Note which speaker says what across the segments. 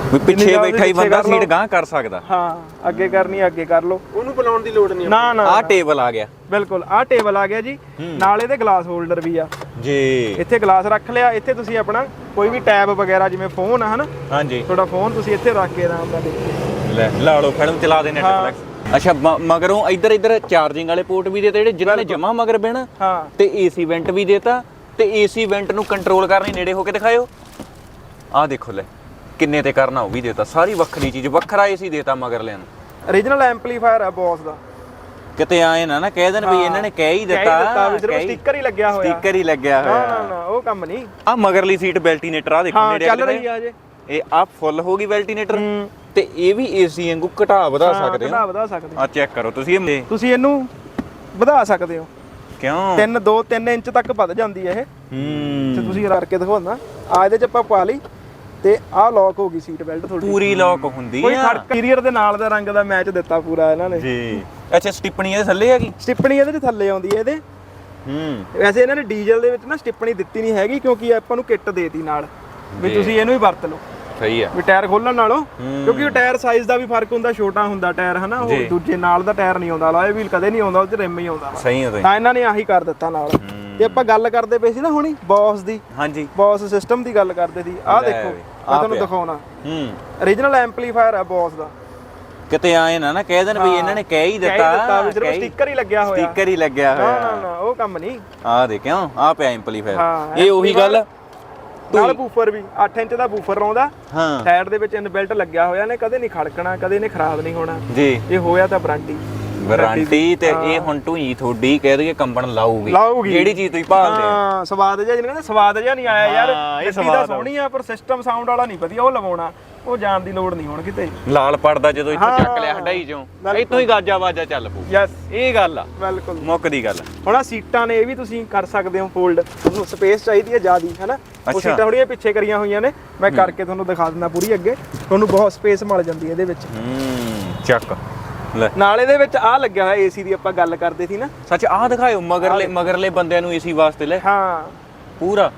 Speaker 1: ਪਿੱਛੇ ਬੈਠਾ ਹੀ ਬੰਦਾ ਸੀਟ ਗਾਂ ਕਰ ਸਕਦਾ।
Speaker 2: ਹਾਂ ਅੱਗੇ ਕਰਨੀ ਅੱਗੇ ਕਰ ਲਓ, ਉਹਨੂੰ ਬੁਲਾਉਣ ਦੀ ਲੋੜ ਨਹੀਂ। ਨਾ ਨਾ
Speaker 1: ਆਹ ਟੇਬਲ ਆ ਗਿਆ,
Speaker 2: ਬਿਲਕੁਲ ਆਹ ਟੇਬਲ ਆ ਗਿਆ ਜੀ। ਨਾਲ ਇਹਦੇ ਗਲਾਸ ਹੋਲਡਰ ਵੀ ਆ
Speaker 1: ਜੀ।
Speaker 2: ਇੱਥੇ ਗਲਾਸ ਰੱਖ ਲਿਆ, ਇੱਥੇ ਤੁਸੀਂ ਆਪਣਾ ਕੋਈ ਵੀ ਟੈਬ ਵਗੈਰਾ ਜਿਵੇਂ ਫੋਨ ਆ ਹਨਾ,
Speaker 1: ਹਾਂਜੀ
Speaker 2: ਤੁਹਾਡਾ ਫੋਨ ਤੁਸੀਂ ਇੱਥੇ ਰੱਖ ਕੇ ਆਰਾਮ ਨਾਲ ਦੇਖੋ।
Speaker 1: ਲੈ ਲਾ ਲਓ ਫਿਲਮ ਚਲਾ ਦੇ ਨੈਟਫਲਿਕਸ। ਅੱਛਾ ਮਗਰੋਂ ਇੱਧਰ ਚਾਰਜਿੰਗ ਵਾਲੇ ਪੋਰਟ ਵੀ ਦੇਤੇ ਜਿਹੜੇ ਜਿਨ੍ਹਾਂ ਨੇ ਜਮਾ ਮਗਰ ਬਹਿਣਾ।
Speaker 2: ਹਾਂ
Speaker 1: ਤੇ ਏਸੀ ਵੈਂਟ ਵੀ ਦੇਤਾ, ਤੇ ਏਸੀ ਵੈਂਟ ਨੂੰ ਕੰਟਰੋਲ ਕਰਨੀ ਨੇੜੇ ਹੋ ਕੇ ਦਿਖਾਇਓ। ਆਹ ਦੇਖੋ ਲੈ ਕਿੰਨੇ ਤੇ ਕਰਨਾ ਉਹ ਵੀ ਦੇਤਾ, ਸਾਰੀ ਵੱਖਰੀ ਚੀਜ਼, ਵੱਖਰਾ ਏਸੀ ਦੇਤਾ ਮਗਰ ਲੈਣ।
Speaker 2: ਓਰੀਜਨਲ ਐਂਪਲੀਫਾਇਰ ਆ ਬੋਸ ਦਾ।
Speaker 1: ਕਿਤੇ ਆਏ ਨਾ ਕਹਿ ਦੇਣ ਵੀ ਇਹਨਾਂ ਨੇ ਕਹਿ ਹੀ ਦਿੱਤਾ,
Speaker 2: ਸਟicker ਹੀ ਲੱਗਿਆ ਹੋਇਆ,
Speaker 1: ਸਟicker ਹੀ ਲੱਗਿਆ ਹੋਇਆ।
Speaker 2: ਨਾ ਨਾ ਉਹ ਕੰਮ ਨਹੀਂ।
Speaker 1: ਆ ਮਗਰਲੀ ਸੀਟ ਵੈਲਟੀਨੇਟਰ ਆ ਦੇਖੋ ਨੇੜੇ
Speaker 2: ਚੱਲ ਰਹੀ ਆ ਜੇ।
Speaker 1: ਇਹ ਆ ਫੁੱਲ ਹੋ ਗਈ ਵੈਲਟੀਨੇਟਰ, ਤੇ ਇਹ ਵੀ ਏਸੀ ਵਾਂਗੂ ਘਟਾ ਵਧਾ ਸਕਦੇ ਹੋ।
Speaker 2: ਵਧਾ ਸਕਦੇ
Speaker 1: ਆ ਚੈੱਕ ਕਰੋ ਤੁਸੀਂ
Speaker 2: ਇਹਨੂੰ ਵਧਾ ਸਕਦੇ ਹੋ।
Speaker 1: ਕਿਉਂ
Speaker 2: 3 ਇੰਚ ਤੱਕ ਵੱਧ ਜਾਂਦੀ ਹੈ ਇਹ। ਤੇ ਤੁਸੀਂ ਕਰਕੇ ਦਿਖਾਉਣਾ ਆ, ਇਹਦੇ ਚ ਆਪਾਂ ਪਾ ਲਈ ਤੇ ਆਹ ਲੌਕ ਹੋ ਗਈ ਸੀਟ ਬੈਲਟ ਤੁਹਾਡੀ,
Speaker 1: ਪੂਰੀ ਲੌਕ ਹੁੰਦੀ ਆ।
Speaker 2: ਕੋਈ ਖੜਕਾ ਇੰਟੀਰੀਅਰ ਦੇ ਨਾਲ ਦਾ ਰੰਗ ਦਾ ਮੈਚ ਦਿੱਤਾ ਪੂਰਾ ਇਹਨਾਂ ਨੇ
Speaker 1: ਜੀ। ਅੱਛਾ ਸਟਿੱਪਣੀ ਇਹਦੇ ਥੱਲੇ ਹੈਗੀ,
Speaker 2: ਸਟਿੱਪਣੀ ਇਹਦੇ ਚ ਥੱਲੇ ਆਉਂਦੀ ਹੈ ਇਹਦੇ। ਵੈਸੇ ਇਹਨਾਂ ਨੇ ਡੀਜ਼ਲ ਦੇ ਵਿੱਚ ਨਾ ਸਟਿੱਪਣੀ ਦਿੱਤੀ ਨਹੀਂ ਹੈਗੀ, ਕਿਉਂਕਿ ਆਪਾਂ ਨੂੰ ਕਿੱਟ ਦੇਤੀ ਨਾਲ ਵੀ ਤੁਸੀਂ ਇਹਨੂੰ ਹੀ ਵਰਤ ਲਓ।
Speaker 1: ਸਹੀ ਆ
Speaker 2: ਵੀ ਟਾਇਰ ਖੋਲਣ ਨਾਲੋਂ, ਕਿਉਂਕਿ ਉਹ ਟਾਇਰ ਸਾਈਜ਼ ਦਾ ਵੀ ਫਰਕ ਹੁੰਦਾ, ਛੋਟਾ ਹੁੰਦਾ ਟਾਇਰ ਹਨਾ, ਉਹ ਦੂਜੇ ਨਾਲ ਦਾ ਟਾਇਰ ਨਹੀਂ ਆਉਂਦਾ, ਲਾਏ ਵੀਲ ਕਦੇ ਨਹੀਂ ਆਉਂਦਾ, ਉਹ ਚ ਰਿਮ ਹੀ ਆਉਂਦਾ।
Speaker 1: ਸਹੀ ਆ
Speaker 2: ਤਾਂ ਇਹਨਾਂ ਨੇ ਆਹੀ ਕਰ ਦਿੱਤਾ ਨਾਲ। ਤੇ ਆਪਾਂ ਗੱਲ ਕਰਦੇ ਪਏ ਸੀ ਨਾ ਹੁਣੀ ਬੌਸ ਦੀ,
Speaker 1: ਹਾਂਜੀ
Speaker 2: ਬੌਸ ਸਿਸਟਮ ਦੀ ਗੱਲ ਕਰਦੇ ਸੀ। ਆਹ ਦੇਖੋ ਮੈਂ ਤੁਹਾਨੂੰ ਦਿਖਾਉਣਾ, ਓਰੀਜਨਲ ਐਂਪਲੀਫਾਇਰ ਆ ਬੌਸ ਦਾ।
Speaker 1: ਕਿਤੇ ਆਏ ਨਾ ਕਹਿ ਦੇਣ ਵੀ ਇਹਨਾਂ ਨੇ ਕਹਿ ਹੀ ਦਿੱਤਾ,
Speaker 2: ਸਿਰਫ ਸਟicker ਹੀ ਲੱਗਿਆ ਹੋਇਆ,
Speaker 1: ਸਟicker ਹੀ ਲੱਗਿਆ ਹੋਇਆ।
Speaker 2: ਨਾ ਨਾ ਉਹ ਕੰਮ ਨਹੀਂ।
Speaker 1: ਆਹ ਦੇ ਕਿਉਂ ਆ ਪਿਆ ਐਂਪਲੀਫਾਇਰ, ਇਹ ਉਹੀ ਗੱਲ।
Speaker 2: ਨਾਲ ਬੂਫਰ ਵੀ 8 ਇੰਚ ਦਾ ਬੂਫਰ ਆਉਂਦਾ,
Speaker 1: ਹਾਂ
Speaker 2: ਸਾਈਡ ਦੇ ਵਿੱਚ ਇਨਬਿਲਟ ਲੱਗਿਆ ਹੋਇਆ ਨੇ, ਕਦੇ ਨਹੀਂ ਖੜਕਣਾ, ਕਦੇ ਨੇ ਖਰਾਬ ਨਹੀਂ ਹੋਣਾ
Speaker 1: ਜੀ।
Speaker 2: ਇਹ ਹੋਇਆ ਤਾਂ ਵਾਰੰਟੀ
Speaker 1: ਤੇ ਇਹ ਹੁਣ ਢੂਈ ਤੁਹਾਡੀ ਕਹਿ ਦਈਏ ਕੰਬਣ ਲਾਊਗੀ
Speaker 2: ਲਾਊਗੀ,
Speaker 1: ਜਿਹੜੀ ਚੀਜ਼ ਤੁਸੀਂ ਭਾਲਦੇ
Speaker 2: ਹਾਂ। ਸਵਾਦ ਜਿਹਾ ਜਿਹਨੇ ਸਵਾਦ ਜਿਹਾ ਨਹੀਂ ਆਇਆ ਯਾਰ, ਇਹ ਸਵਾਦ ਸੋਹਣੀ ਆ ਪਰ ਸਿਸਟਮ ਸਾਊਂਡ ਵਾਲਾ ਨਹੀਂ ਵਧੀਆ, ਉਹ ਲਵਾਉਣਾ, ਉਹ ਜਾਣ ਦੀ ਲੋੜ ਨਹੀਂ ਹੁਣ ਕਿਤੇ।
Speaker 1: ਲਾਲ ਪੜਦਾ ਜਦੋਂ ਇੱਥੋਂ ਚੱਕ ਲਿਆ ਹਡਾਈ ਚੋਂ, ਇੱਥੋਂ ਹੀ ਗਾਜਾ ਵਾਜਾ ਚੱਲ ਪੂ।
Speaker 2: ਯੈਸ
Speaker 1: ਇਹ ਗੱਲ ਆ,
Speaker 2: ਬਿਲਕੁਲ
Speaker 1: ਮੁੱਕਦੀ ਗੱਲ।
Speaker 2: ਹੁਣ ਆ ਸੀਟਾਂ ਨੇ ਇਹ ਵੀ ਤੁਸੀਂ ਕਰ ਸਕਦੇ ਹੋ ਫੋਲਡ, ਤੁਹਾਨੂੰ ਸਪੇਸ ਚਾਹੀਦੀ ਹੈ ਜ਼ਿਆਦੀ ਹੈਨਾ, ਉਹ ਸੀਟਾਂ ਥੋੜੀਆਂ ਪਿੱਛੇ ਕਰੀਆਂ ਹੋਈਆਂ ਨੇ, ਮੈਂ ਕਰਕੇ ਤੁਹਾਨੂੰ ਦਿਖਾ ਦਿੰਦਾ ਪੂਰੀ ਅੱਗੇ, ਤੁਹਾਨੂੰ ਬਹੁਤ ਸਪੇਸ ਮਿਲ ਜਾਂਦੀ ਹੈ ਇਹਦੇ ਵਿੱਚ।
Speaker 1: ਚੱਕ ਲੈ
Speaker 2: ਨਾਲ ਇਹਦੇ ਵਿੱਚ ਆ ਲੱਗਿਆ ਹੋਇਆ ਏਸੀ ਦੀ, ਆਪਾਂ ਗੱਲ ਕਰਦੇ ਸੀ ਨਾ।
Speaker 1: ਸੱਚ ਆਹ ਦਿਖਾਇਓ ਮਗਰਲੇ ਬੰਦਿਆਂ ਨੂੰ ਏਸੀ ਵਾਸਤੇ ਲੈ।
Speaker 2: ਹਾਂ
Speaker 1: ਪੂਰਾ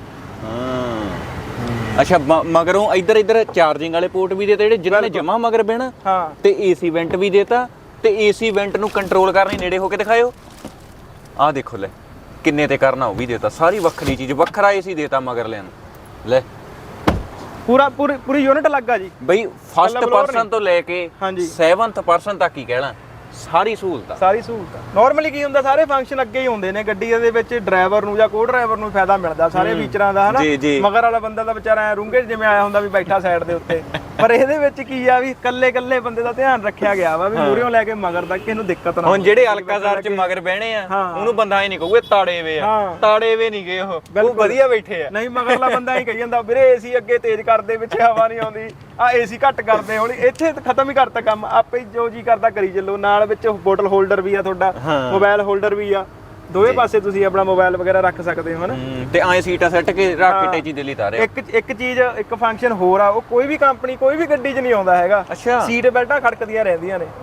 Speaker 1: ਅੱਛਾ ਮਗਰੋਂ ਇੱਧਰ ਚਾਰਜਿੰਗ ਵਾਲੇ ਪੋਰਟ ਵੀ ਦੇਤੇ ਜਿਹੜੇ ਜਿਨ੍ਹਾਂ ਨੇ ਜਮਾ ਮਗਰ ਬਹਿਣਾ।
Speaker 2: ਹਾਂ
Speaker 1: ਤੇ ਏਸੀ ਵੈਂਟ ਵੀ ਦੇਤਾ, ਤੇ ਏਸੀ ਵੈਂਟ ਨੂੰ ਕੰਟਰੋਲ ਕਰਨੀ ਨੇੜੇ ਹੋ ਕੇ ਦਿਖਾਇਓ। ਆਹ ਦੇਖੋ ਲੈ ਕਿੰਨੇ ਤੇ ਕਰਨਾ ਉਹ ਵੀ ਦੇਤਾ, ਸਾਰੀ ਵੱਖਰੀ ਚੀਜ਼, ਵੱਖਰਾ ਏਸੀ ਦੇਤਾ ਮਗਰ ਲੈਣ। ਲੈ
Speaker 2: ਪੂਰੀ ਯੂਨਿਟ ਲੱਗਾ ਜੀ
Speaker 1: ਬਈ, ਫਸਟ ਪਰਸਨ ਤੋਂ ਲੈ ਕੇ 7th ਪਰਸਨ ਤੱਕ ਹੀ ਕਹਿਣਾ, ਸਾਰੀ ਸਹੂਲਤ।
Speaker 2: ਨਾਰਮਲੀ ਕੀ ਹੁੰਦਾ, ਸਾਰੇ ਫੰਕਸ਼ਨ ਅੱਗੇ ਹੀ ਹੁੰਦੇ ਨੇ ਗੱਡੀ ਦੇ ਵਿੱਚ, ਡਰਾਈਵਰ ਨੂੰ ਜਾਂ ਕੋ ਡਰਾਈਵਰ ਨੂੰ ਫਾਇਦਾ ਮਿਲਦਾ ਸਾਰੇ ਫੀਚਰਾਂ ਦਾ ਹਨਾ। ਮਗਰ ਵਾਲਾ ਬੰਦਾ ਤਾਂ ਵਿਚਾਰਾ ਰੂੰਗੇ ਜਿਵੇਂ ਆਇਆ ਹੁੰਦਾ ਵੀ ਬੈਠਾ ਸਾਈਡ ਦੇ ਉੱਤੇ, ਪਰ ਇਹਦੇ ਵਿੱਚ ਕੀ ਆ ਵੀ ਕੱਲੇ ਬੰਦੇ ਦਾ ਧਿਆਨ ਰੱਖਿਆ ਗਿਆ ਵਾ ਵੀ ਮੂਹਰਿਓਂ ਲੈ ਕੇ ਮਗਰ ਤੱਕ ਇਹਨੂੰ ਦਿੱਕਤ ਨਾ।
Speaker 1: ਹੁਣ ਜਿਹੜੇ ਅਲਕਾਜ਼ਾਰ ਚ ਮਗਰ ਬਹਿਣੇ ਆ ਉਹਨੂੰ ਬੰਦਾ ਇਹ ਨਹੀਂ ਕਹੂਗਾ ਤਾੜੇ ਵੇ ਆ, ਤਾੜੇ ਵੇ ਨਹੀਂ ਗਏ, ਉਹ ਵਧੀਆ ਬੈਠੇ ਆ।
Speaker 2: ਨਹੀਂ ਮਗਰਲਾ ਬੰਦਾ ਹੀ ਕਹੀ ਜਾਂਦਾ ਵੀਰੇ ਏਸੀ ਅੱਗੇ ਤੇਜ਼ ਕਰਦੇ, ਪਿੱਛੇ ਹਵਾ ਨਹੀਂ ਆਉਂਦੀ, ਆ ਏਸੀ ਘੱਟ ਕਰਦੇ, ਹੁਣ ਇੱਥੇ ਖਤਮ ਹੀ ਕਰਤਾ ਕੰਮ, ਆਪੇ ਜੋ ਜੀ ਕਰਦਾ ਕਰੀ ਚੱਲੋ। ਨਾਲ ਵਿੱਚ ਬੋਟਲ ਹੋਲਡਰ ਵੀ ਆ ਤੁਹਾਡਾ, ਮੋਬਾਈਲ ਹੋਲਡਰ ਵੀ ਆ, ਦੋਵੇਂ ਪਾਸੇ ਤੁਸੀਂ ਆਪਣਾ ਮੋਬਾਈਲ ਵਗੈਰਾ ਰੱਖ ਸਕਦੇ ਹੋ ਹਨਾ।
Speaker 1: ਤੇ ਐ ਸੀਟਾਂ ਸੈੱਟ ਕੇ ਰੱਖ ਕੇ ਟੇਚੀ ਦਿੱਲੀ ਤਾਰੇ।
Speaker 2: ਇੱਕ ਚੀਜ਼, ਇੱਕ ਫੰਕਸ਼ਨ ਹੋਰ ਆ, ਉਹ ਕੋਈ ਵੀ ਕੰਪਨੀ ਕੋਈ ਵੀ ਗੱਡੀ 'ਚ ਨਹੀਂ ਆਉਂਦਾ ਹੈਗਾ। ਸੀਟ ਬੈਲਟਾਂ ਖੜਕਦੀਆਂ ਰਹਿੰਦੀਆਂ ਨੇ।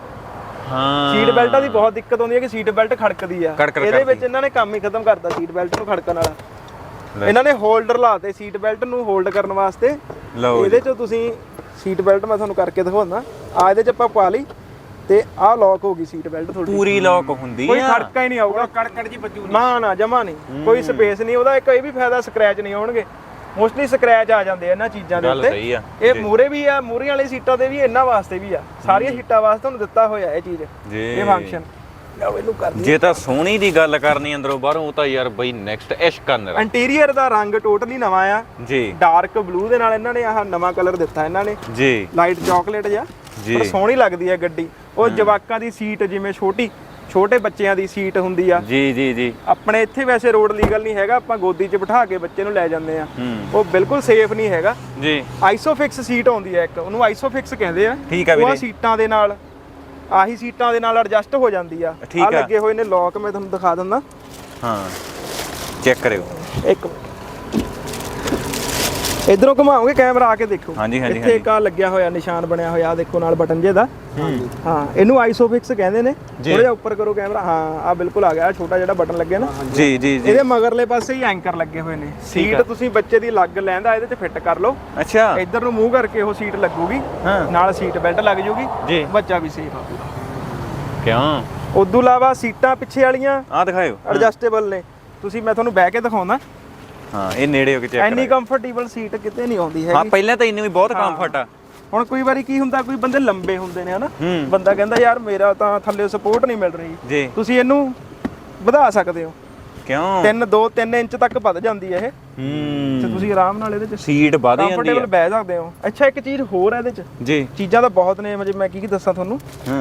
Speaker 2: ਸੀਟ ਬੈਲਟਾਂ ਦੀ ਬਹੁਤ ਦਿੱਕਤ ਆਉਂਦੀ ਹੈ ਕਿ ਸੀਟ ਬੈਲਟ ਖੜਕਦੀ ਆ, ਇਹਦੇ ਵਿੱਚ ਇਹਨਾਂ ਨੇ ਕੰਮ ਹੀ ਖਤਮ ਕਰਤਾ ਸੀਟ ਬੈਲਟ ਨੂੰ ਖੜਕਣ ਵਾਲਾ। ਇਹਨਾਂ ਨੇ ਹੋਲਡਰ ਲਾਤੇ ਸੀਟ ਬੈਲਟ ਨੂੰ ਹੋਲਡ ਕਰਨ ਵਾਸਤੇ। ਇਹਦੇ 'ਚ ਤੁਸੀਂ ਸੀਟ ਬੈਲਟ ਮੈਂ ਤੁਹਾਨੂੰ ਕਰਕੇ ਦਿਖਾਉਂਦਾ, ਆ ਇਹਦੇ 'ਚ ਆਪਾਂ ਪਾ ਲਈ ਤੇ ਆਹ ਲੌਕ ਹੋ ਗਈ ਸੀਟ ਬੈਲਟ ਤੁਹਾਡੀ,
Speaker 1: ਪੂਰੀ ਲੌਕ ਹੁੰਦੀ ਆ,
Speaker 2: ਕੋਈ ਖੜਕਾ ਹੀ ਨਹੀਂ ਆਊਗਾ, ਕੜਕੜ ਜੀ ਵੱਜੂ ਨਾ ਜਮਾ ਨਹੀਂ, ਕੋਈ ਸਪੇਸ ਨਹੀਂ ਉਹਦਾ। ਇੱਕ ਇਹ ਵੀ ਫਾਇਦਾ, ਸਕ੍ਰੈਚ ਨਹੀਂ ਆਉਣਗੇ, ਮੋਸਟਲੀ ਸਕ੍ਰੈਚ ਆ ਜਾਂਦੇ ਆ ਇਹਨਾਂ ਚੀਜ਼ਾਂ ਦੇ ਉੱਤੇ। ਇਹ ਮੂਰੇ ਵੀ ਆ, ਮੂਰੇ ਵਾਲੀ ਸੀਟਾਂ ਤੇ ਵੀ, ਇਹਨਾਂ ਵਾਸਤੇ ਵੀ ਆ, ਸਾਰੀਆਂ ਸੀਟਾਂ ਵਾਸਤੇ ਤੁਹਾਨੂੰ ਦਿੱਤਾ ਹੋਇਆ ਇਹ ਚੀਜ਼, ਇਹ ਫੰਕਸ਼ਨ। ਇਹਨੂੰ ਕਰ
Speaker 1: ਜੇ ਤਾਂ ਸੋਹਣੀ ਦੀ ਗੱਲ ਕਰਨੀ ਅੰਦਰੋਂ ਬਾਹਰੋਂ, ਉਹ ਤਾਂ ਯਾਰ ਬਈ ਨੈਕਸਟ ਇਸ਼ਕ ਕਰਨਾ।
Speaker 2: ਇੰਟੀਰੀਅਰ ਦਾ ਰੰਗ ਟੋਟਲੀ ਨਵਾਂ ਆ
Speaker 1: ਜੀ,
Speaker 2: ਡਾਰਕ ਬਲੂ ਦੇ ਨਾਲ ਇਹਨਾਂ ਨੇ ਆਹ ਨਵਾਂ ਕਲਰ ਦਿੱਤਾ ਇਹਨਾਂ ਨੇ
Speaker 1: ਜੀ,
Speaker 2: ਲਾਈਟ ਚਾਕਲੇਟ ਜਿਹਾ, ਪਰ ਸੋਹਣੀ ਲੱਗਦੀ ਹੈ ਗੱਡੀ। ਉਹ ਜਵਾਕਾਂ ਦੀ ਸੀਟ, ਜਿਵੇਂ ਛੋਟੇ ਬੱਚਿਆਂ ਦੀ ਸੀਟ ਹੁੰਦੀ ਆ
Speaker 1: ਜੀ,
Speaker 2: ਆਪਣੇ ਇੱਥੇ ਵੈਸੇ ਰੋਡ ਲੀਗਲ ਨਹੀਂ ਹੈਗਾ, ਆਪਾਂ ਗੋਦੀ 'ਚ ਬਿਠਾ ਕੇ ਬੱਚੇ ਨੂੰ ਲੈ ਜਾਂਦੇ ਆ, ਉਹ ਬਿਲਕੁਲ ਸੇਫ ਨਹੀਂ ਹੈਗਾ ਜੀ। ਆਈਸੋਫਿਕਸ ਸੀਟ ਆਉਂਦੀ ਹੈ ਇੱਕ, ਉਹਨੂੰ ਆਈਸੋਫਿਕਸ ਕਹਿੰਦੇ ਆ।
Speaker 1: ਠੀਕ ਆ ਵੀਰੇ,
Speaker 2: ਉਹ ਸੀਟਾਂ ਦੇ ਨਾਲ, ਆਹੀ ਸੀਟਾਂ ਦੇ ਨਾਲ ਐਡਜਸਟ ਹੋ ਜਾਂਦੀ ਆ। ਆ ਲੱਗੇ ਹੋਏ ਨੇ ਲੌਕ, ਮੈਂ ਤੁਹਾਨੂੰ ਦਿਖਾ ਦਿੰਦਾ। ਹਾਂ
Speaker 1: ਚੈੱਕ ਕਰਿਓ
Speaker 2: ਇੱਕ, ਇਧਰੋਂ ਘੁਮਾਓਗੇ ਕੈਮਰਾ ਆ ਕੇ ਦੇਖੋ।
Speaker 1: ਹਾਂਜੀ ਹਾਂਜੀ
Speaker 2: ਇੱਥੇ ਇੱਕ ਆ ਲੱਗਿਆ ਹੋਇਆ ਨਿਸ਼ਾਨ ਬਣਿਆ ਹੋਇਆ, ਆ ਦੇਖੋ ਨਾਲ ਬਟਨ ਜੇ ਦਾ। ਹਾਂ, ਇਹਨੂੰ ਆਈਸੋਫਿਕਸ ਕਹਿੰਦੇ ਨੇ। ਥੋੜਾ ਜਿਹਾ ਉੱਪਰ ਕਰੋ ਕੈਮਰਾ। ਹਾਂ, ਆ ਬਿਲਕੁਲ ਆ ਗਿਆ, ਛੋਟਾ ਜਿਹੜਾ ਬਟਨ ਲੱਗਿਆ ਨਾ।
Speaker 1: ਜੀ ਜੀ ਜੀ।
Speaker 2: ਇਹਦੇ ਮਗਰਲੇ ਪਾਸੇ ਹੀ ਐਂਕਰ ਲੱਗੇ ਹੋਏ ਨੇ। ਸੀਟ ਤੁਸੀਂ ਬੱਚੇ ਦੀ ਲੱਗ ਲੈਂਦਾ ਇਹਦੇ 'ਚ ਫਿੱਟ ਕਰ ਲਓ।
Speaker 1: ਅੱਛਾ,
Speaker 2: ਇੱਧਰ ਨੂੰ ਮੂੰਹ ਕਰਕੇ ਉਹ ਸੀਟ ਲੱਗੂਗੀ, ਨਾਲ ਸੀਟ ਬੈਲਟ ਲੱਗ ਜੂਗੀ, ਬੱਚਾ ਵੀ ਸੇਫ ਆ।
Speaker 1: ਕਿਉਂ?
Speaker 2: ਉਦੋਂ ਇਲਾਵਾ ਸੀਟਾਂ ਪਿੱਛੇ ਵਾਲੀਆਂ
Speaker 1: ਆ ਦਿਖਾਇਓ,
Speaker 2: ਐਡਜਸਟੇਬਲ ਨੇ। ਤੁਸੀਂ ਮੈਂ ਤੁਹਾਨੂੰ ਬਹਿ ਕੇ ਦਿਖਾਉਂਦਾ।
Speaker 1: ਹਾਂ, ਇਹ ਨੇੜੇ ਹੋ ਕੇ ਚੈੱਕ
Speaker 2: ਇੰਨੀ ਕੰਫਰਟੇਬਲ ਸੀਟ ਕਿਤੇ ਨਹੀਂ ਆਉਂਦੀ ਹੈਗੀ।
Speaker 1: ਹਾਂ, ਪਹਿਲਾਂ ਤਾਂ ਇੰਨੀ ਵੀ ਬਹੁਤ ਕੰਫਰਟ ਆ।
Speaker 2: ਹੁਣ ਕੋਈ ਵਾਰੀ ਕੀ ਹੁੰਦਾ, ਕੋਈ ਬੰਦੇ ਲੰਬੇ ਹੁੰਦੇ ਨੇ ਹਨਾ, ਬੰਦਾ ਕਹਿੰਦਾ ਯਾਰ ਮੇਰਾ ਤਾਂ ਥੱਲੇ ਸਪੋਰਟ ਨਹੀਂ ਮਿਲ ਰਹੀ
Speaker 1: ਜੀ,
Speaker 2: ਤੁਸੀਂ ਇਹਨੂੰ ਵਧਾ ਸਕਦੇ ਹੋ।
Speaker 1: ਕਿਉਂ?
Speaker 2: 3 ਇੰਚ ਤੱਕ ਵੱਧ ਜਾਂਦੀ ਹੈ ਇਹ। ਤੇ ਤੁਸੀਂ ਆਰਾਮ ਨਾਲ ਇਹਦੇ ਚ
Speaker 1: ਸੀਟ ਵਧ ਜਾਂਦੀ ਹੈ,
Speaker 2: ਕੰਫਰਟੇਬਲ ਬਹਿ ਸਕਦੇ ਹੋ। ਅੱਛਾ, ਇੱਕ ਚੀਜ਼ ਹੋਰ ਹੈ ਇਹਦੇ ਚ
Speaker 1: ਜੀ, ਚੀਜ਼ਾਂ
Speaker 2: ਤਾਂ ਬਹੁਤ ਨੇ, ਮੈਂ ਕੀ ਦੱਸਾਂ ਤੁਹਾਨੂੰ।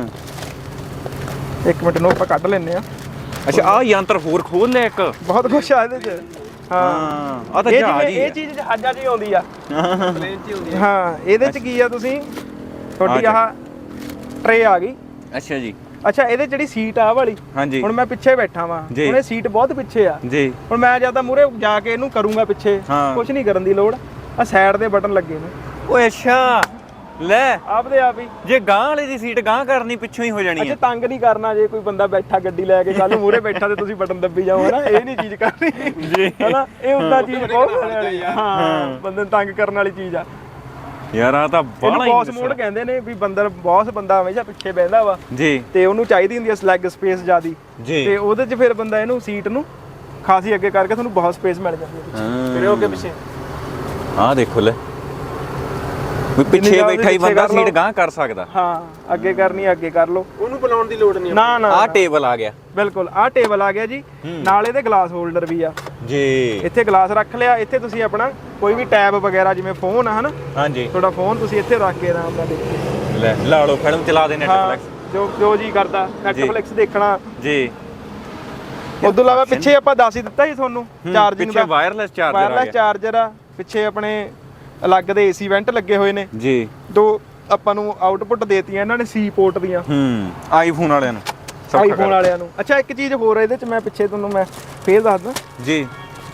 Speaker 2: ਇੱਕ ਮਿੰਟ ਨੂੰ ਆਪਾਂ ਕੱਢ ਲੈਨੇ ਆ।
Speaker 1: ਅੱਛਾ, ਆਹ ਯੰਤਰ ਹੋਰ ਖੋਲ ਲਿਆ ਇੱਕ,
Speaker 2: ਬਹੁਤ ਕੁਛ ਆ ਇਹਦੇ ਚ। ਹਾਂ,
Speaker 1: ਆ ਤਾਂ ਜਹਾਜ਼ ਹੀ
Speaker 2: ਇਹ ਚੀਜ਼ ਜਹਾਜ਼ਾਂ 'ਚ ਹੀ ਆਉਂਦੀ ਆ, ਪਲੇਨ 'ਚ ਹੀ ਹੁੰਦੀ ਆ। ਹਾਂ, ਇਹਦੇ ਚ ਕੀ ਆ, ਤੁਸੀਂ ਤੁਹਾਡੀ ਆਹ ਟਰੇ ਆ ਗਈ। ਅੱਛਾ ਜੀ। ਅੱਛਾ, ਇਹਦੇ ਜਿਹੜੀ ਸੀਟ ਆ ਵਾਲੀ, ਹੁਣ ਮੈਂ ਪਿੱਛੇ ਬੈਠਾ ਵਾਂ, ਹੁਣ ਇਹ ਸੀਟ ਬਹੁਤ ਪਿੱਛੇ ਆ ਜੀ। ਹੁਣ ਮੈਂ ਜਿਆਦਾ ਮੂਰੇ ਜਾ ਕੇ ਇਹਨੂੰ ਕਰੂੰਗਾ ਪਿੱਛੇ, ਕੁਝ ਨਹੀਂ ਕਰਨ ਦੀ ਲੋੜ। ਆ ਸਾਈਡ ਦੇ ਬਟਨ ਲੱਗੇ ਨੇ। ਓਏ ਅੱਛਾ, ਲੈ ਆਪਦੇ ਆਪ ਹੀ। ਜੇ ਗਾਂ ਵਾਲੇ ਦੀ ਸੀਟ ਗਾਂ ਕਰਨੀ, ਪਿੱਛੋਂ ਹੀ ਹੋ ਜਾਣੀ ਹੈ। ਤੰਗ ਨਹੀਂ ਕਰਨਾ, ਜੇ ਕੋਈ ਬੰਦਾ ਬੈਠਾ ਗੱਡੀ ਲੈ ਕੇ, ਕੱਲ ਨੂੰ ਮੂਰੇ ਬੈਠਾ ਤੇ ਤੁਸੀਂ ਬਟਨ ਦੱਬੀ ਜਾਓ, ਹਨਾ, ਇਹ ਨਹੀਂ ਚੀਜ਼ ਕਰਨੀ ਜੀ, ਹਨਾ। ਇਹ ਉਦਾਂ ਚੀਜ਼ ਬਹੁਤ ਵਾਲੀ ਆ। ਹਾਂ, ਬੰਦੇ ਨੂੰ ਤੰਗ ਕਰਨ ਵਾਲੀ ਚੀਜ਼ ਆ ਯਾਰ। ਆ ਤਾਂ ਬੌਸ ਮੋਡ ਕਹਿੰਦੇ ਨੇ ਵੀ ਬੌਸ ਬੰਦਾ ਹਮੇਸ਼ਾ ਪਿੱਛੇ ਬਹਿੰਦਾ ਵਾ ਜੀ, ਤੇ ਉਹਨੂੰ ਚਾਹੀਦੀ ਹੁੰਦੀ ਹੈ ਲੈਗ ਸਪੇਸ ਜ਼ਿਆਦੀ, ਤੇ ਉਹਦੇ 'ਚ ਫਿਰ ਬੰਦਾ ਇਹਨੂੰ ਸੀਟ ਨੂੰ ਖਾਸੀ ਅੱਗੇ ਕਰਕੇ ਤੁਹਾਨੂੰ ਬਹੁਤ ਸਪੇਸ ਮਿਲ ਜਾਂਦੀ ਹੈ ਪਿੱਛੇ। ਫਿਰ ਅੱਗੇ ਪਿੱਛੇ ਆਹ ਦੇਖੋ, ਲੈ ਵੀ ਪਿੱਛੇ ਬੈਠਾ ਹੀ ਬੰਦਾ ਸੀਟ ਗਾਂ ਕਰ ਸਕਦਾ। ਹਾਂ, ਅੱਗੇ ਕਰਨੀ ਅੱਗੇ ਕਰ ਲਓ, ਉਹਨੂੰ ਬੁਲਾਉਣ ਦੀ ਲੋੜ ਨਹੀਂ। ਨਾ ਨਾ, ਆਹ ਟੇਬਲ ਆ ਗਿਆ। ਬਿਲਕੁਲ, ਆਹ ਟੇਬਲ ਆ ਗਿਆ ਜੀ। ਨਾਲ ਇਹਦੇ ਗਲਾਸ ਹੋਲਡਰ ਵੀ ਆ ਜੀ। ਇੱਥੇ ਗਲਾਸ ਰੱਖ ਲਿਆ। ਇੱਥੇ ਤੁਸੀਂ ਆਪਣਾ ਕੋਈ ਵੀ ਟੈਬ ਵਗੈਰਾ, ਜਿਵੇਂ ਫੋਨ ਆ ਹਨਾ, ਹਾਂਜੀ, ਤੁਹਾਡਾ ਫੋਨ ਤੁਸੀਂ ਇੱਥੇ ਰੱਖ ਕੇ ਆਰਾਮ ਨਾਲ ਦੇਖੋ। ਲੈ ਲਾ ਲਓ, ਫਿਲਮ ਚਲਾ ਦੇ, ਨੈਟਫਲਿਕਸ ਜੋ ਜੀ ਕਰਦਾ, ਨੈਟਫਲਿਕਸ ਦੇਖਣਾ ਜੀ। ਉਦੋਂ ਇਲਾਵਾ ਪਿੱਛੇ ਆਪਾਂ ਦੱਸ ਹੀ ਦਿੱਤਾ ਸੀ ਤੁਹਾਨੂੰ ਚਾਰਜਿੰਗ ਦਾ, ਵਾਇਰਲੈਸ ਚਾਰਜਰ ਆ। ਪਿੱਛੇ ਆਪਣੇ ਅਲੱਗ ਦੇ ਏਸੀ ਵੈਂਟ ਲੱਗੇ ਹੋਏ ਨੇ ਜੀ। ਦੋ ਆਪਾਂ ਨੂੰ ਆਊਟਪੁੱਟ ਦੇਤੀਆਂ ਇਹਨਾਂ ਨੇ ਸੀ ਪੋਰਟ ਦੀਆਂ, ਆਈਫੋਨ ਵਾਲਿਆਂ ਨੂੰ। ਅੱਛਾ, ਇੱਕ ਚੀਜ਼ ਹੋਰ ਹੈ ਇਹਦੇ ਚ, ਮੈਂ ਪਿੱਛੇ ਤੁਹਾਨੂੰ ਮੈਂ ਫੇਰ ਦੱਸਦਾ ਜੀ।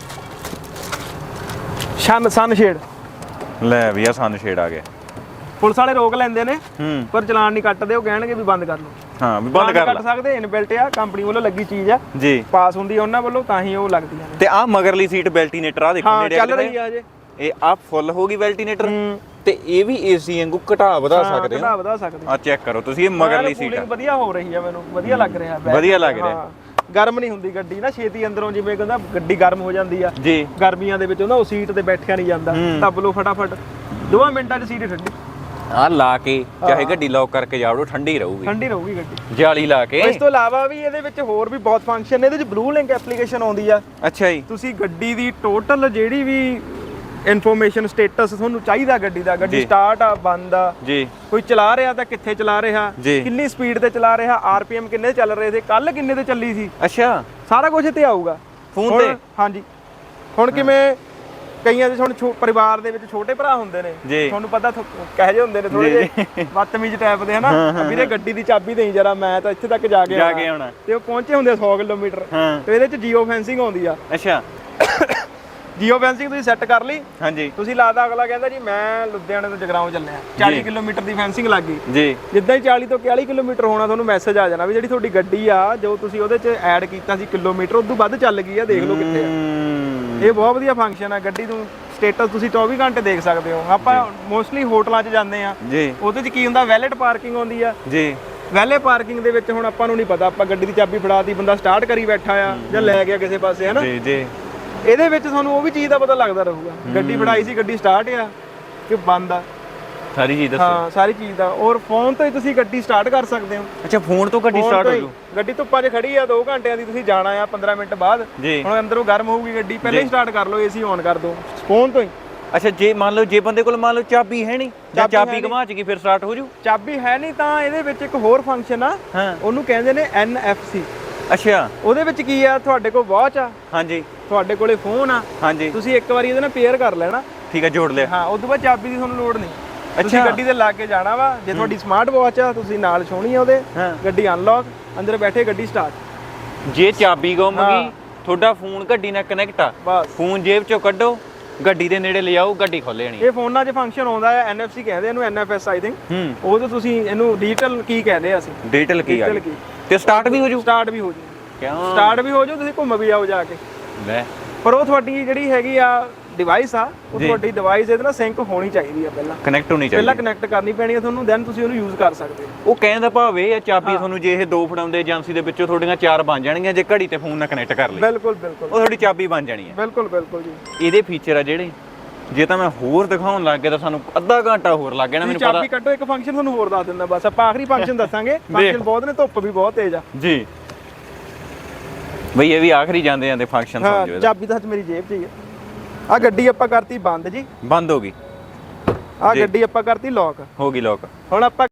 Speaker 2: ਸਨ ਸ਼ੇਡ, ਲੈ ਵੀ ਆ ਸਨ ਸ਼ੇਡ ਆ ਗਿਆ। ਪੁਲਿਸ ਵਾਲੇ ਰੋਕ ਲੈਂਦੇ ਨੇ, ਪਰ ਚਲਾਨ ਨਹੀਂ ਕੱਟਦੇ। ਉਹ ਕਹਿਣਗੇ ਵੀ ਬੰਦ ਕਰ ਲਓ। ਹਾਂ, ਵੀ ਬੰਦ ਕਰ ਸਕਦੇ, ਇਨਬਿਲਟ ਆ, ਕੰਪਨੀ ਵੱਲੋਂ ਲੱਗੀ ਚੀਜ਼ ਆ ਜੀ, ਪਾਸ ਹੁੰਦੀ ਆ ਉਹਨਾਂ ਵੱਲੋਂ, ਤਾਂ ਹੀ ਉਹ ਲੱਗਦੀਆਂ ਨੇ। ਤੇ ਆ ਮਗਰਲੀ ਸੀਟ ਵੈਲਟੀਨੇਟਰ ਆ ਦੇਖੋ, ਨੇੜੇ ਚੱਲ ਰਹੀ ਆ ਜੇ। ਇਹ ਆ ਫੁੱਲ ਹੋ ਗਈ ਵੈਲਟੀਨੇਟਰ, ਤੇ ਇਹ ਵੀ ਏਸੀ ਵਾਂਗੂ ਘਟਾ ਵਧਾ ਸਕਦੇ ਆ। ਚੈੱਕ ਕਰੋ ਤੁਸੀਂ, ਇਹ ਮਗਰਲੀ ਸੀਟ ਆ, ਵਧੀਆ ਹੋ ਰਹੀ ਆ, ਮੈਨੂੰ ਵਧੀਆ ਲੱਗ ਰਿਹਾ, ਵਧੀਆ ਲੱਗ ਰਿਹਾ। ਗਰਮ ਨਹੀਂ ਹੁੰਦੀ ਗੱਡੀ ਨਾ ਛੇਤੀ ਅੰਦਰੋਂ, ਜਿਵੇਂ ਕਹਿੰਦਾ ਗੱਡੀ ਗਰਮ ਹੋ ਜਾਂਦੀ ਆ ਜੀ ਗਰਮੀਆਂ ਦੇ ਵਿੱਚ, ਉਹ ਸੀਟ ਤੇ ਬੈਠਿਆ ਨਹੀਂ ਜਾਂਦਾ। ਦੱਬ ਲਓ ਫਟਾਫਟ, 2 ਮਿੰਟਾਂ 'ਚ ਸੀਟ ਠੰਡੀ। ਆ ਲਾ ਕੇ ਚਾਹੇ ਗੱਡੀ ਲੌਕ ਕਰਕੇ ਜਾਵੜੋ, ਠੰਡੀ ਰਹੂਗੀ ਗੱਡੀ, ਜਾਲੀ ਲਾ ਕੇ। ਇਸ ਤੋਂ ਇਲਾਵਾ ਵੀ ਇਹਦੇ ਵਿੱਚ ਹੋਰ ਵੀ ਬਹੁਤ ਫੰਕਸ਼ਨ ਨੇ। ਇਹਦੇ 'ਚ ਬਲੂ ਲਿੰਕ ਐਪਲੀਕੇਸ਼ਨ ਆਉਂਦੀ ਆ। ਅੱਛਾ ਜੀ। ਤੁਸੀਂ ਗੱਡੀ ਦੀ ਟੋਟਲ ਜਿਹੜੀ ਵੀ ਇਨਫੋਰਮੇਸ਼ਨ, ਸਟੇਟਸ ਤੁਹਾਨੂੰ ਚਾਹੀਦਾ ਗੱਡੀ ਦਾ, ਗੱਡੀ ਸਟਾਰਟ ਆ, ਬੰਦ ਆ ਜੀ, ਕੋਈ ਚਲਾ ਰਿਹਾ ਤਾਂ ਕਿੱਥੇ ਚਲਾ ਰਿਹਾ, ਕਿੰਨੀ ਸਪੀਡ ਤੇ ਚਲਾ ਰਿਹਾ, ਆਰਪੀਐਮ ਕਿੰਨੇ ਚੱਲ ਰਹੇ ਸੀ, ਕੱਲ ਕਿੰਨੇ ਤੇ ਚੱਲੀ ਸੀ, ਅੱਛਾ, ਸਾਰਾ ਕੁਝ ਇੱਥੇ ਆਊਗਾ ਫੋਨ ਤੇ। ਹਾਂਜੀ, ਹੁਣ ਕਿਵੇਂ ਕਈਆਂ ਦੇ ਹੁਣ ਪਰਿਵਾਰ ਦੇ ਵਿੱਚ ਛੋਟੇ ਭਰਾ ਹੁੰਦੇ ਨੇ, ਤੁਹਾਨੂੰ ਪਤਾ ਕਹੇ ਜਿਹੇ ਹੁੰਦੇ ਨੇ, ਥੋੜੇ ਜਿਹੇ ਬਦਤਮੀਜ਼ ਟਾਈਪ ਦੇ, ਹਨਾ, ਵੀਰੇ ਗੱਡੀ ਦੀ ਚਾਬੀ ਦੇਈ ਜਰਾ, ਮੈਂ ਤਾਂ ਇੱਥੇ ਤੱਕ ਜਾ ਕੇ ਆਉਣਾ, ਤੇ ਉਹ ਪਹੁੰਚੇ ਹੁੰਦੇ 100 ਕਿਲੋਮੀਟਰ, ਤੇ ਇਹਦੇ 'ਚ ਜੀਓ ਫੈਂਸਿੰਗ ਆਉਂਦੀ ਆ। ਅੱਛਾ, ਜੀਓ ਫੈਂਸਿੰਗ ਤੁਸੀਂ ਸੈੱਟ ਕਰ ਲਈ, ਹਾਂਜੀ, ਤੁਸੀਂ ਲਾਦਾ, ਅਗਲਾ ਕਹਿੰਦਾ ਜੀ ਮੈਂ ਲੁਧਿਆਣੇ ਤੋਂ ਜਗਰਾਉਂ ਚੱਲਿਆ, 40 ਕਿਲੋਮੀਟਰ ਦੀ ਫੈਂਸਿੰਗ ਲੱਗ ਗਈ ਜੀ। ਜਿੱਦਾਂ ਹੀ 40 ਤੋਂ 41 ਕਿਲੋਮੀਟਰ ਹੋਣਾ, ਤੁਹਾਨੂੰ ਮੈਸੇਜ ਆ ਜਾਣਾ ਵੀ ਜਿਹੜੀ ਤੁਹਾਡੀ ਗੱਡੀ ਆ, ਜੋ ਤੁਸੀਂ ਉਹਦੇ 'ਚ ਐਡ ਕੀਤਾ ਸੀ ਕਿਲੋਮੀਟਰ, ਉਦੋਂ ਵੱਧ ਚੱਲ ਗਈ ਆ, ਦੇਖ ਲਓ ਕਿੱਥੇ ਆ। ਇਹ ਬਹੁਤ ਵਧੀਆ ਫੰਕਸ਼ਨ ਆ। ਗੱਡੀ ਨੂੰ ਸਟੇਟਸ ਤੁਸੀਂ 24 ਘੰਟੇ ਦੇਖ ਸਕਦੇ ਹੋ। ਆਪਾਂ ਮੋਸਟਲੀ ਹੋਟਲਾਂ 'ਚ ਜਾਂਦੇ ਆ, ਉਹਦੇ 'ਚ ਕੀ ਹੁੰਦਾ, ਵੈਲਿਟ ਪਾਰਕਿੰਗ ਆਉਂਦੀ ਆ ਜੀ। ਵੈਲੇ ਪਾਰਕਿੰਗ ਦੇ ਵਿੱਚ ਹੁਣ ਆਪਾਂ ਨੂੰ ਨਹੀਂ ਪਤਾ, ਆਪਾਂ ਗੱਡੀ ਦੀ ਚਾਬੀ ਫੜਾਤੀ, ਬੰਦਾ ਸਟਾਰਟ ਕਰੀ ਬੈਠਾ ਆ ਜਾਂ ਲੈ ਗਿਆ ਕਿਸੇ ਪਾਸੇ, ਹਨਾ ਜੀ। ਇਹਦੇ ਵਿੱਚ ਤੁਹਾਨੂੰ ਉਹ ਵੀ ਚੀਜ਼ ਦਾ ਪਤਾ ਲੱਗਦਾ ਰਹੂਗਾ, ਗੱਡੀ ਫੜਾਈ ਸੀ, ਗੱਡੀ ਸਟਾਰਟ ਆ ਕਿ ਬੰਦ ਆ, ਸਾਰੀ ਚੀਜ਼ ਦੱਸੋ। ਹਾਂ, ਸਾਰੀ ਚੀਜ਼ ਦਾ। ਔਰ ਫੋਨ ਤੋਂ ਹੀ ਤੁਸੀਂ ਗੱਡੀ ਸਟਾਰਟ ਕਰ ਸਕਦੇ ਹੋ। ਅੱਛਾ, ਫੋਨ ਤੋਂ ਗੱਡੀ ਸਟਾਰਟ ਹੋ ਜੂ। ਗੱਡੀ ਧੁੱਪਾਂ 'ਚ ਖੜੀ ਆ, 2 ਘੰਟਿਆਂ ਦੀ, ਤੁਸੀਂ ਜਾਣਾ ਆ 15 ਮਿੰਟ ਬਾਅਦ, ਹੁਣ ਅੰਦਰੋਂ ਗਰਮ ਹੋਊਗੀ ਗੱਡੀ, ਪਹਿਲਾਂ ਹੀ ਸਟਾਰਟ ਕਰ ਲਓ, ਏਸੀ ਔਨ ਕਰ ਦਿਓ ਫੋਨ ਤੋਂ ਹੀ। ਅੱਛਾ, ਜੇ ਮੰਨ ਲਓ ਜੇ ਬੰਦੇ ਕੋਲ ਮੰਨ ਲਓ ਚਾਬੀ ਹੈ ਨਹੀਂ, ਜਾਂ ਚਾਬੀ ਘੁਮਾ ਚ ਕੀ, ਫਿਰ ਸਟਾਰਟ ਹੋ ਜੂ। ਚਾਬੀ ਹੈ ਨਹੀਂ ਤਾਂ ਇਹਦੇ ਵਿੱਚ ਇੱਕ ਹੋਰ ਫੰਕਸ਼ਨ ਆ, ਉਹਨੂੰ ਕਹਿੰਦੇ ਨੇ NFC। ਅੱਛਾ, ਉਹਦੇ ਵਿੱਚ ਕੀ ਆ, ਤੁਹਾਡੇ ਕੋਲ ਵਾਚ ਆ, ਹਾਂਜੀ, ਤੁਹਾਡੇ ਕੋਲੇ ਫੋਨ ਆ, ਹਾਂਜੀ, ਤੁਸੀਂ ਇੱਕ ਵਾਰੀ ਇਹਦੇ ਨਾਲ ਪੇਅਰ ਕਰ ਲੈਣਾ, ਠੀਕ ਆ, ਜੋੜ ਲਿਆ। ਹਾਂ, ਉਸ ਤੋਂ ਬਾਅਦ ਚਾਬੀ ਦੀ ਤੁਹਾਨੂੰ ਲੋੜ ਨਹੀਂ, ਤੁਸੀਂ ਗੱਡੀ ਤੇ ਲਾ ਕੇ ਜਾਣਾ ਵਾ। ਜੇ ਤੁਹਾਡੀ ਸਮਾਰਟ ਵਾਚ ਆ, ਤੁਸੀਂ ਨਾਲ ਛੋਣੀ ਆ ਉਹਦੇ, ਗੱਡੀ ਅਨਲੌਕ, ਅੰਦਰ ਬੈਠੇ ਗੱਡੀ ਸਟਾਰਟ। ਜੇ ਚਾਬੀ ਗੁੰਮ ਗਈ, ਤੁਹਾਡਾ ਫੋਨ ਗੱਡੀ ਨਾਲ ਕਨੈਕਟ ਆ, ਫੋਨ ਜੇਬ ਚੋਂ ਕੱਢੋ,
Speaker 1: ਗੱਡੀ ਦੇ ਨੇੜੇ ਲਿਆਓ ਗੱਡੀ ਖੋਲੇ ਜਾਣੀ
Speaker 2: ਇਹ ਫੋਨਾਂ 'ਚ ਫੰਕਸ਼ਨ ਆਉਂਦਾ ਹੈ NFC ਕਹਿੰਦੇ ਇਹਨੂੰ NFS ਆਈ ਥਿੰਕ ਉਹ ਤੋਂ ਤੁਸੀਂ ਇਹਨੂੰ ਡਿਜੀਟਲ ਕੀ ਕਹਿੰਦੇ ਆ ਅਸੀਂ
Speaker 1: ਡਿਜੀਟਲ ਕੀ ਆ ਤੇ ਸਟਾਰਟ ਵੀ ਹੋ ਜੂ
Speaker 2: ਸਟਾਰਟ ਵੀ ਹੋ ਜੂ
Speaker 1: ਕਿਉਂ
Speaker 2: ਸਟਾਰਟ ਵੀ ਹੋ ਜੂ ਤੁਸੀਂ ਘੁੰਮ ਵੀ ਆਓ ਜਾ ਕੇ
Speaker 1: ਲੈ
Speaker 2: ਪਰ ਉਹ ਤੁਹਾਡੀ ਜਿਹੜੀ ਹੈਗੀ ਆ ਡਿਵਾਈਸ ਆ ਉਹ ਤੁਹਾਡੀ ਡਿਵਾਈਸ ਇਹਦੇ ਨਾਲ ਸਿੰਕ ਹੋਣੀ ਚਾਹੀਦੀ ਆ ਪਹਿਲਾਂ
Speaker 1: ਕਨੈਕਟ ਹੋਣੀ ਚਾਹੀਦੀ
Speaker 2: ਪਹਿਲਾਂ ਕਨੈਕਟ ਕਰਨੀ ਪੈਣੀ ਆ ਤੁਹਾਨੂੰ ਦੈਨ ਤੁਸੀਂ ਉਹਨੂੰ ਯੂਜ਼ ਕਰ ਸਕਦੇ ਹੋ
Speaker 1: ਉਹ ਕਹਿਣ ਦਾ ਭਾਵ ਇਹ ਆ ਚਾਬੀ ਤੁਹਾਨੂੰ ਜੇ ਇਹ ਦੋ ਫੜਾਉਂਦੇ ਏਜੰਸੀ ਦੇ ਵਿੱਚੋਂ ਤੁਹਾਡੀਆਂ 4 ਬਣ ਜਾਣਗੀਆਂ ਜੇ ਘੜੀ ਤੇ ਫੋਨ ਨਾਲ ਕਨੈਕਟ ਕਰ ਲਈ
Speaker 2: ਬਿਲਕੁਲ ਬਿਲਕੁਲ
Speaker 1: ਉਹ ਤੁਹਾਡੀ ਚਾਬੀ ਬਣ ਜਾਣੀ ਹੈ
Speaker 2: ਬਿਲਕੁਲ ਬਿਲਕੁਲ ਜੀ
Speaker 1: ਇਹਦੇ ਫੀਚਰ ਆ ਜਿਹੜੇ ਜੇ ਤਾਂ ਮੈਂ ਹੋਰ ਦਿਖਾਉਣ ਲੱਗ ਗਿਆ ਤਾਂ ਸਾਨੂੰ ਅੱਧਾ ਘੰਟਾ ਹੋਰ ਲੱਗ ਜਾਣਾ ਮੈਨੂੰ ਪਤਾ
Speaker 2: ਚਾਬੀ ਕੱਢੋ ਇੱਕ ਫੰਕਸ਼ਨ ਤੁਹਾਨੂੰ ਹੋਰ ਦੱਸ ਦਿੰਦਾ ਬਸ ਆਪਾਂ ਆਖਰੀ ਫੰਕਸ਼ਨ ਦੱਸਾਂਗੇ ਫੰਕਸ਼ਨ ਬਹੁਤ ਨੇ ਧੁੱਪ ਵੀ ਬਹੁਤ ਤੇਜ਼ ਆ
Speaker 1: ਜੀ ਬਈ ਇਹ ਵੀ ਆਖਰੀ ਜਾਂਦੇ ਜਾਂਦੇ ਫੰਕਸ਼ਨ ਸਮਝੋ ਇਹਦਾ
Speaker 2: ਚਾਬੀ ਤਾਂ ਮੇਰੀ ਜੇਬ 'ਚ ਹੀ ਆ ਆ ਗੱਡੀ ਆਪਾਂ ਕਰਤੀ ਬੰਦ ਜੀ
Speaker 1: ਬੰਦ ਹੋ ਗਈ
Speaker 2: ਆ ਗੱਡੀ ਆਪਾਂ ਕਰਤੀ ਲੌਕ
Speaker 1: ਹੋ ਗਈ ਲੋਕ
Speaker 2: ਹੁਣ ਆਪਾਂ